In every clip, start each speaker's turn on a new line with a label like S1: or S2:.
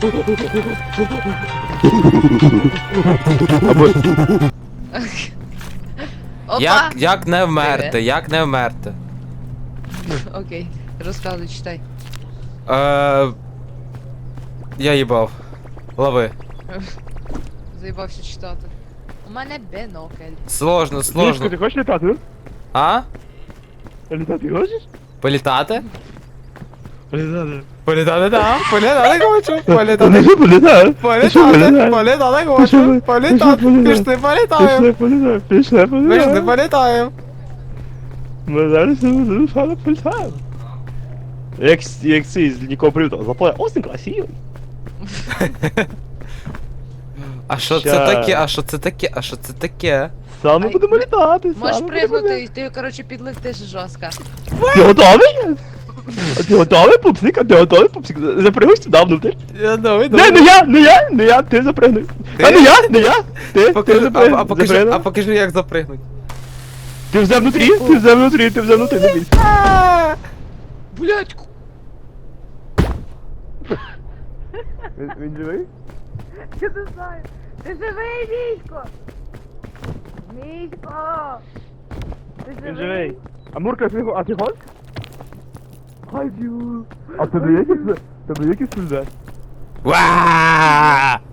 S1: Або...
S2: Опа!
S3: Як не вмерти? Як не вмерти?
S2: Окей, розказуй, читай.
S3: Я їбав. Лови.
S2: Заїбався читати. У мене бінокль.
S3: Сложно,
S1: Мішко,
S3: сложно.
S1: ти хочеш літати?
S3: А?
S1: Літати хочеш?
S3: Політати?
S1: Літати.
S3: Політати, да. Політати хочу.
S1: Та
S3: Політати.
S1: не що політати?
S3: Політати. Політати хочу. Політати. Пішли політаємо.
S1: Пішли
S3: Пішли
S1: політаємо.
S3: політаємо.
S1: Ми зараз не політаємо. Як цей з лінійкового приводу. Запалає, осень красивий.
S3: А що це
S1: Ща.
S3: таке? А що це таке? А що це таке?
S1: Саме
S2: Ай,
S1: будемо літати.
S2: Можеш
S1: саме
S2: пригнути,
S1: будемо
S2: і ти, коротше, підлетиш жорстко.
S1: Ти готовий? А ти готовий, пупсик? А ти готовий, пупсик? Запригуй сюди внутрь.
S3: Я давай,
S1: Не я, ти запригни. А не я, ти запригни.
S3: А покажи, як запригнуть.
S1: Ти вже внутрі, не бійся.
S2: Блять,
S1: Він живий?
S2: я не знаю. Ти живий, Місько! Місько! Ти
S1: Він живий. А Мурка, а ти гон? Ходю. А тебе якісь сльози?
S3: Ва!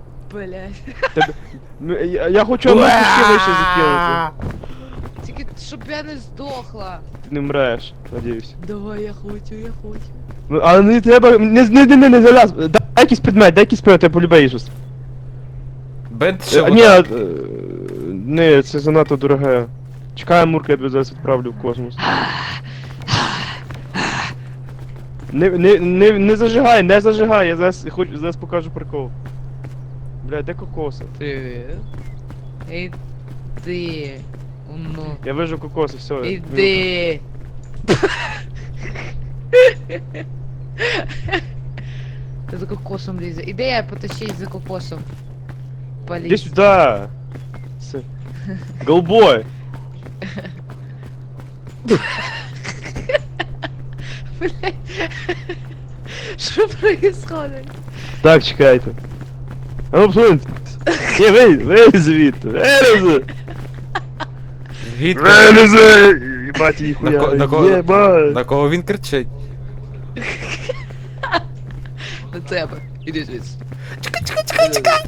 S2: Блять.
S1: Я хочу Мурку ще вище закинути.
S2: Тільки, щоб я не здохла.
S1: Ти не мреш, надіюсь.
S2: Давай, я хочу.
S1: Ну, але не треба, не залаз. Дай якийсь предмет, я полюбаю щось.
S3: Бент що?
S1: Ні, не, це занадто дороге. Чекай, Мурка, я тебе зараз відправлю в космос. Не зажигай, я зараз покажу прикол. Бля, де кокоси?
S2: Іди. Ну.
S1: Я вижу кокоси, все.
S2: Іди. Ти за кокосом лізе. Іди, я потащись за кокосом.
S1: Иди
S2: Поліз.
S1: сюда! Голбой!
S2: Блять. Що происходит?
S1: Так, чекайте. А ну посуньте. Ні, вийди звідти.
S3: Звідки?
S1: Єбать, ніхуя.
S3: На кого-
S1: Єбать.
S3: На кого він кричить?
S2: На тебе. Іди звідси.
S3: Чекай!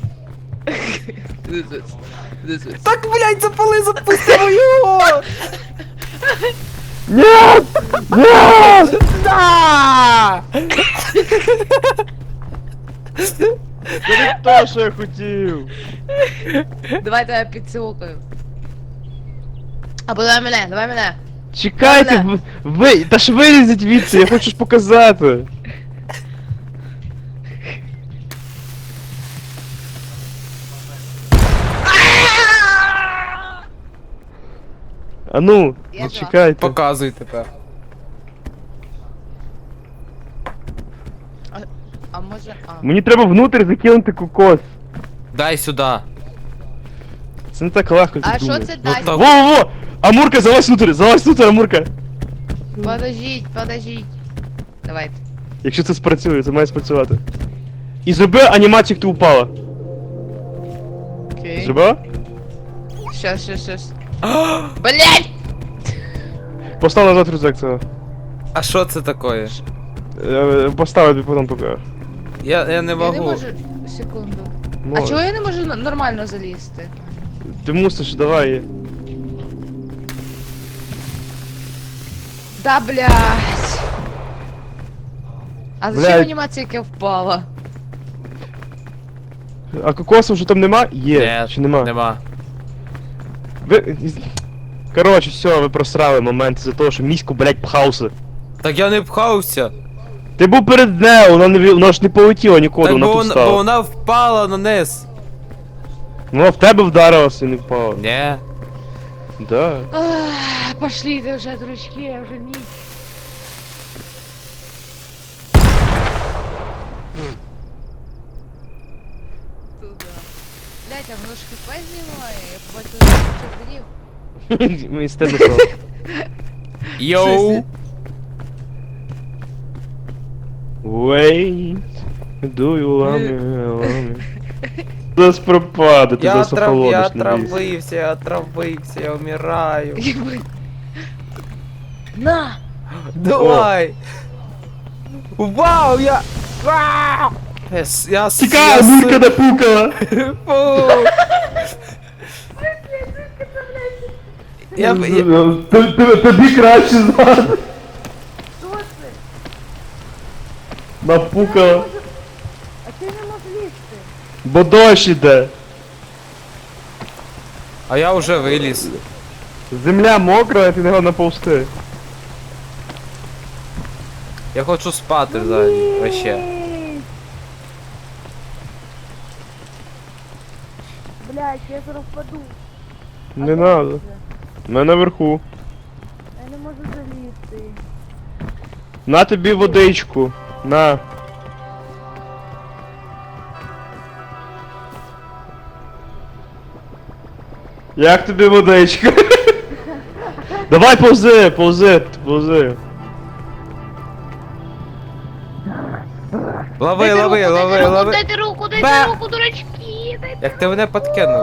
S2: Іди звідси. Іди звідси.
S3: Так, блядь, запустимо його!
S1: Нет! Нет!
S3: Да!
S1: Це не то, що я хотів.
S2: Давай тебе підсилкаю. Або давай мене.
S1: Чекайте, та ж вилізіть звідси, я хочу ж показати. А ну,
S2: Я
S1: зачекайте.
S3: Показуй тепер.
S2: А може...
S1: Мені треба внутрь закинути кокос.
S3: Дай сюди.
S1: Це не так легко,
S2: А
S1: ти
S2: що
S1: думаєш.
S2: це
S3: Ну,
S2: дасть?
S3: так.
S1: Во-во-во! Амурка, залазь внутрь, Амурка!
S2: Подождіть. Давайте.
S1: Якщо це спрацює, це має спрацювати. І зроби анімацію, як ти упала.
S2: Окей.
S1: Зробила?
S2: Щас. Блять!
S1: Постав назад рюкзак цього.
S3: А що це таке?
S1: Постав, я тобі потім покажу.
S3: Я не
S2: Я не
S3: можу.
S2: можу... Секунду. А
S1: Можеш.
S2: чого я не можу нормально залізти?
S1: Ти мусиш, давай.
S2: Да блять. А зачем
S1: Блядь.
S2: анімація, яка впала?
S1: А кокосу вже там нема? Є.
S3: Ні,
S1: Чи нема?
S3: Нема.
S1: Ви... Коротше, все, ви просрали момент за того, що міську, блять, пхався.
S3: Так я не пхався.
S1: Ти був перед нею, вона ж не полетіла нікуди,
S3: Так
S1: вона
S3: бо
S1: тут
S3: вона,
S1: стала.
S3: бо вона впала на низ.
S1: Вона в тебе вдарилася і не впала.
S3: Ні.
S1: Да.
S2: Ах, пошли ты уже, дружки, я уже не... Туда. Блять, а воно ж хп знімає, я побачила, що грів.
S1: Мені стидно стало.
S3: Йоу.
S1: Wait. Дую лами. Зараз пропаде, ти зараз
S3: Я
S1: охолодиш на ліс.
S3: отравився, я вмираю.
S2: На!
S3: Давай! Вау, я... Вау! Я...
S1: Тікай, Мурка напукала!
S3: Фу!
S1: Тобі краще знати.
S2: Що це?
S1: Напукала.
S2: А ти не можеш лізти.
S1: Бо дощ іде.
S3: А я вже виліз.
S1: Земля мокра, а ти не можеш наповзти.
S3: Я хочу спати взагалі, вообще.
S2: Блядь, я зараз впаду.
S1: Не надо. Ми наверху.
S2: Я не можу залізти.
S1: На тобі водичку. На. Як тобі водичка? Давай повзи, повзи.
S3: Лови.
S2: Дайте руку, дурачки!
S3: Як ти мене подкинув?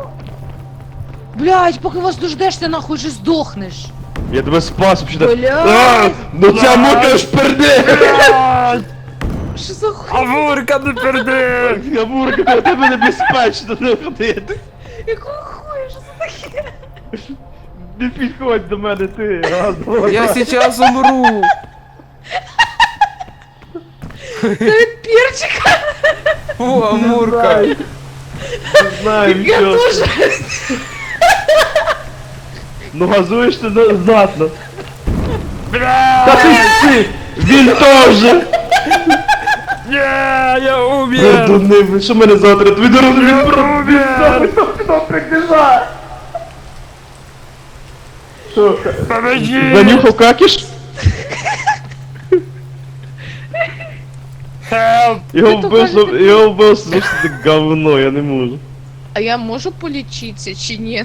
S2: Блядь, поки вас дождешся, нахуй же здохнеш.
S1: Я тебе спас вообще.
S2: Блядь!
S1: Ну ця мука ж перде!
S2: Що за хуй?
S3: Амурка, не перди!
S1: Гамурка, для тебе небезпечно не ходити.
S2: Якого хуя, що це таке?
S1: Не підходь до мене ти. Раз, два,
S3: Я сейчас умру!
S2: Це від перчика?
S3: Фу, Амурка!
S1: Не знаю,
S2: Я
S1: що.
S2: теж.
S1: Ну газуєш ти знатно. Та ти! Він теж!
S3: Ні, я умер!
S1: Пердуни, ви що мене завтра? Твій дорогу він пробіжав! Хто прибіжав? Що?
S3: Помоги!
S1: Занюхав какіш?
S3: Help!
S1: Його вбив слушайте говно, я не можу.
S2: А я можу полічитися чи ні?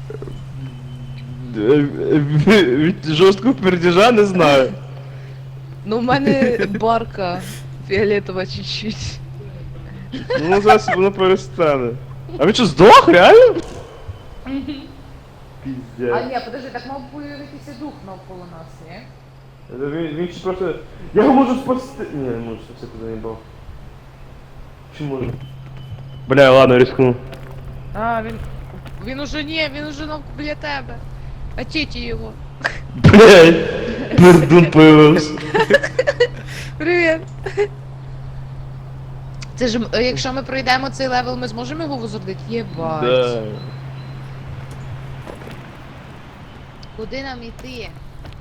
S1: Від жорсткого пердежа не знаю.
S2: Ну, в мене барка фіолетова чуть-чуть.
S1: Ну зараз воно перестане. А він що, здох, реально?
S2: А
S1: Піздець.
S2: ні, подожди, так мав появитися дух навколо нас, ні?
S1: Він ще просто... Я його можу спасти... Ні, не можу, все туди не бав. Чи можу? Бля, ладно, рискну.
S2: А, він уже він уже біля тебе. Очіть його.
S1: Блядь, пердун появився.
S2: Привіт. Це ж, якщо ми пройдемо цей левел, ми зможемо його возродити? Єбать.
S1: Да.
S2: Куди нам іти?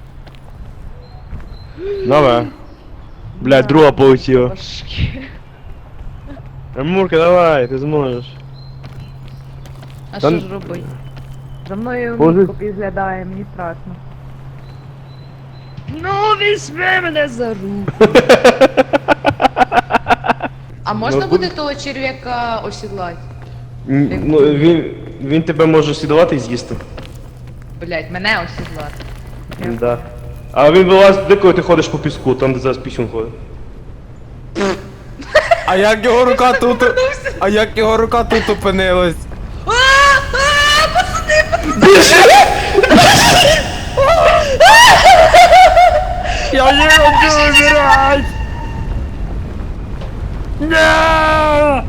S1: Давай. Блядь, друга полетіла.
S2: Башки.
S1: Амурка, давай, ти зможеш.
S2: А
S1: Та
S2: що
S1: н-
S2: ж робити? За мною
S1: Боже.
S2: мітко підглядає, мені страшно. Ну, візьми мене за руку. А можна
S1: Ну,
S2: буде того черв'яка осідлати?
S1: Ну, він тебе може слідувати і з'їсти.
S2: Блять, мене осідлати.
S1: Да. А він вилазить, де коли ти ходиш по піску, там де зараз пісюн ходить.
S3: А як його рука тут... А як його рука тут опинилась? Я не хочу умирать! Нет!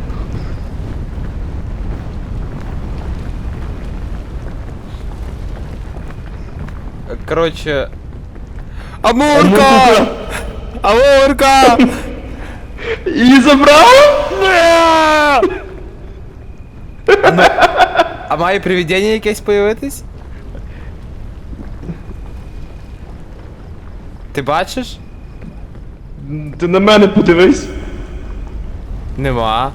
S3: Короче... Амурка! Амурка!
S1: Її забрав?
S3: Нет! А має привидення якесь появитись? Ти бачиш?
S1: Ти на мене подивись.
S3: Нема.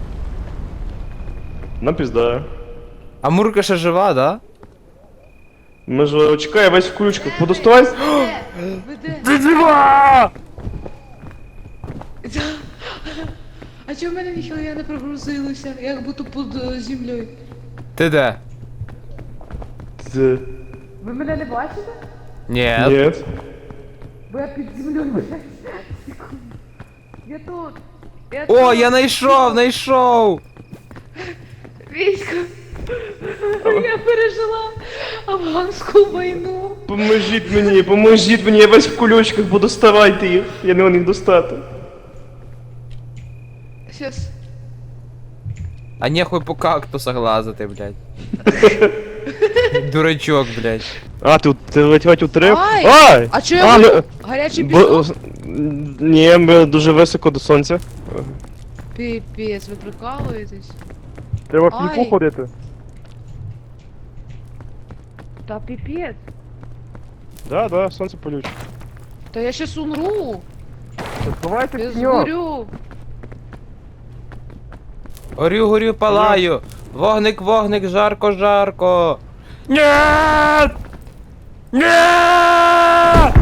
S1: Напіздаю.
S3: А Мурка ще жива, да?
S1: Ми ж чекай, весь в ключках. Подоставай.
S2: Веде.
S3: Ти жива!
S2: А чого в мене ніхіля не прогрузилося? Як будто під землею.
S3: Ти де?
S1: Це...
S2: Ви мене не бачите?
S3: Ні.
S1: Нет.
S2: Бо я під землею, блядь. Секунду. Я тут.
S3: О, я знайшов!
S2: Військо. Я пережила афганську війну.
S1: Поможіть мені, я весь в кульочках, бо доставайте їх. Я не можу їх достати.
S2: Щас.
S3: А нехуй по кактусах лазити, блядь. Дурачок, блядь.
S1: А, ти ледь утрив?
S2: Ай!
S1: Ай!
S2: А чо я
S1: ну,
S2: буду? Гарячий пісок?
S1: Ні, ми дуже високо до сонця.
S2: Піпець, ви прикалуєтесь?
S1: Треба
S2: в піку Ай.
S1: ходити.
S2: Та піпець.
S1: Да, сонце полюче.
S2: Та я щас умру.
S1: Сховайте
S2: Я згорю.
S3: Горю, палаю. Вогник, жарко. Нет! Нет!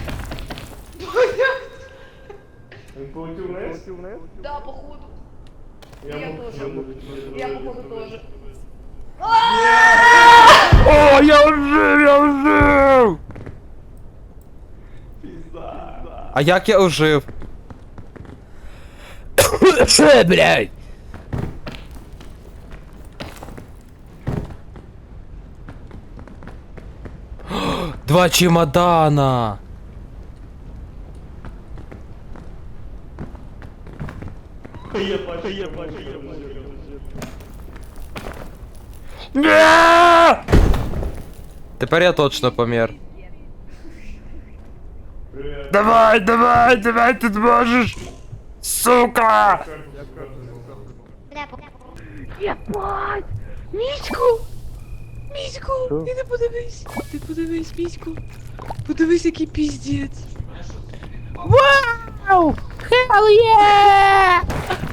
S1: Він полетів вниз?
S2: Да, походу. Я тоже. Я походу тоже.
S3: О, я ожив! А як я ожив? Що, блядь? Два чемодана! Тепер я точно помер. Давай, ты можешь! Сука!
S2: Єбать! Мічку! Мічку!
S1: Що?
S2: Ти не подивись! Ти подивись, Мічку! Подивись, який піздець!
S3: Вау! Hell yeah!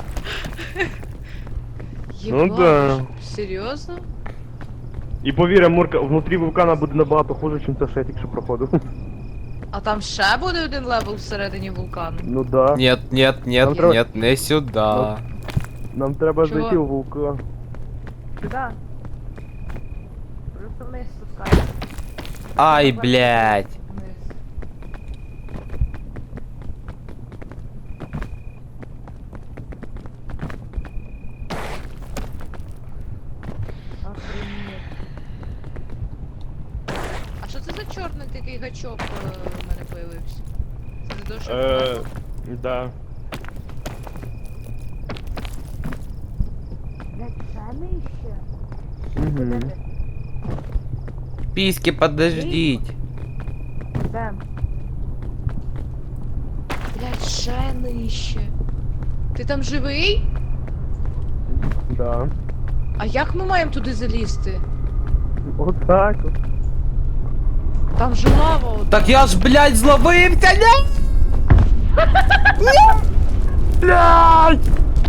S1: Ну да.
S2: Серйозно?
S1: І повір, Амурка, внутрі вулкана буде набагато хуже, ніж це ще я тільки що проходив.
S2: А там ще буде один левел всередині вулкану?
S1: Ну да.
S3: Нет,
S1: треба-
S3: не сюда.
S1: Нам треба
S2: Чого?
S1: зайти в вулкан.
S2: Да. Просто вниз спускайся.
S3: Ай, блядь.
S2: Вниз. Охренеть. А що це за чорний такий гачок в мене появився? Це не то, що
S1: Да. Угу.
S3: Письки, подождите.
S2: Де? Блядь, ще нижче. Ти там живий?
S1: Да.
S2: А як ми маємо туди залізти?
S1: Отак от.
S2: Там же лава одна.
S3: Так я ж, блядь, зловився, не? Блядь!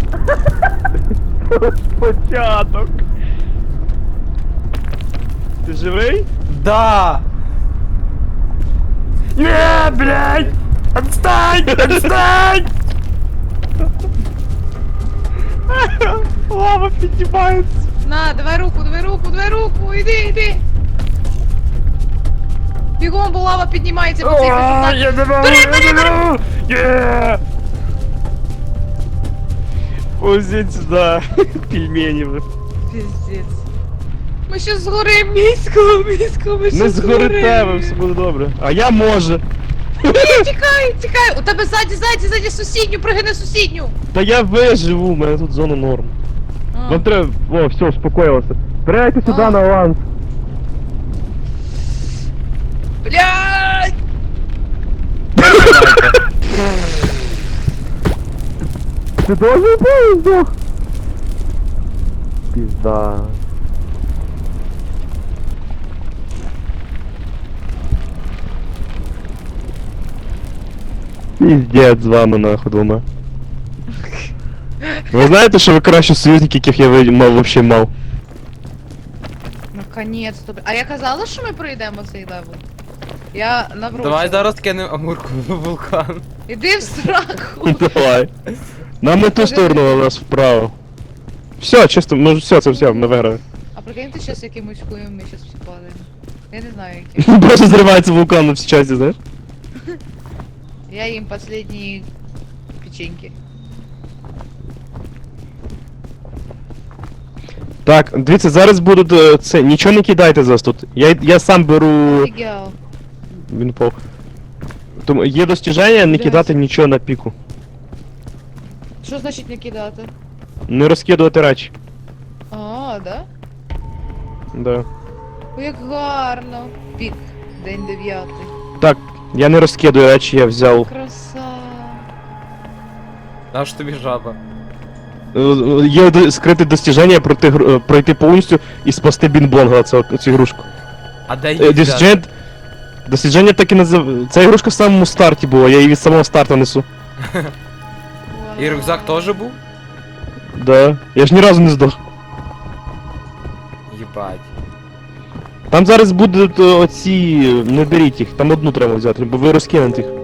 S1: Початок. Ти живий?
S3: Да! Не, блядь! Отстань! Отстань!
S1: Лава піднімається.
S2: На, давай руку, іди. Бігом, бо лава піднімається по цих висотах.
S3: Я не можу,
S2: Бери!
S3: я не можу! Є!
S1: Ось сюди. Пельмені ви.
S2: Піздець. Ми ще згорим, місько, ми ще
S1: Не згорите, ви, все буде добре. А я може.
S2: Тікай, у тебе ззаді сусідню, пригини сусідню.
S1: Та я виживу, у мене тут зона норм. Вам треба. О, все, успокоїлося. Збирайте сюди
S2: А.
S1: на аванс.
S2: Блядь!
S1: Ти должен був здох. Пізда. Піздець з вами нахуй двома. Ви знаєте, що ви кращі союзники, яких я мав вообще мав?
S2: Наконець-то. А я казала, що ми пройдемо цей левел? Я навру.
S3: Давай зараз кинемо Амурку в вулкан.
S2: Іди в сраку.
S1: Давай. Нам не ту сторону, а нас вправо. Все, чисто, ну все, це все, ми виграли.
S2: А прикинь, ти щас якимось хуєм ми щас всі падаємо. Я не знаю яким.
S1: Просто зривається вулкан на всі часті, знаєш?
S2: Я їм последні печеньки.
S1: Так, дивіться, зараз будуть це. Нічого не кидайте зараз тут. Я сам беру.
S2: Офігел.
S1: Він впав. Тому є достіження не
S2: Блядь.
S1: кидати нічого на піку.
S2: Що значить не кидати?
S1: Не розкидувати речі.
S2: А, да?
S1: Да.
S2: Ой, як гарно. Пік. День 9.
S1: Так, я не розкидаю речі, я взяв.
S2: Краса.
S3: Наш тобі жаба.
S1: Є скрите достіження пройти повністю і спасти бінбонга цю ігрушку.
S3: А де її взяти?
S1: Дослідження так і назив. Ця ігрушка в самому старті була, я її від самого старту несу.
S2: Вау.
S3: І рюкзак теж був?
S1: Да. Я ж ні разу не здох.
S3: Єбать.
S1: Там зараз будуть оці. Не беріть їх, там одну треба взяти, бо ви розкинете їх.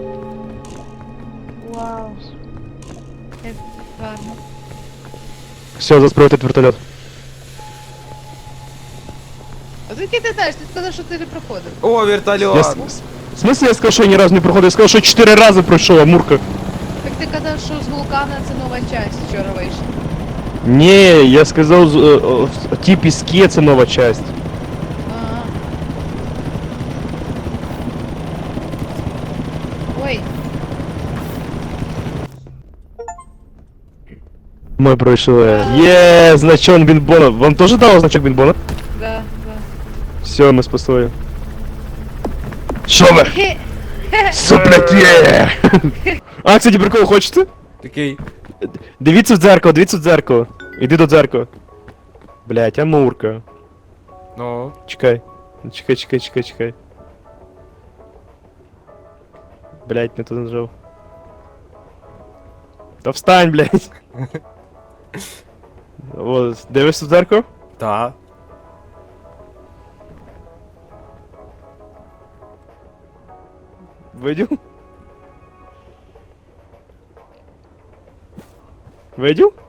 S2: Вау. Як гарно.
S1: Все, зараз прилетить вертольот.
S2: А звідки ти знаєш? Ти сказав, що ти не проходив.
S3: О,
S1: Я...
S3: вертольот!
S1: В смысле я сказав, що я ні разу не проходив? Я сказав, що 4 рази пройшов, Амурка.
S2: Так ти казав, що з вулкана це нова часть вчора вийшла.
S1: Ні, я сказав, ті піски це нова часть.
S2: Ага. Ой,
S1: Ми пройшли. Є, значок бінбона. Вам теж дало значок бінбона?
S2: да,
S1: Все, ми спасли. Що ви?
S2: да.
S1: Сопляки! А, кстати, прикол, хочете?
S3: Такий.
S1: Дивіться в дзеркало. Іди до дзеркала. Блять, Амурка.
S3: Ну.
S1: Чекай. Чекай. Блять, не туди нажав. Та встань, блять. О, дивишся в дзеркало?
S3: Та.
S1: Видів? Видів?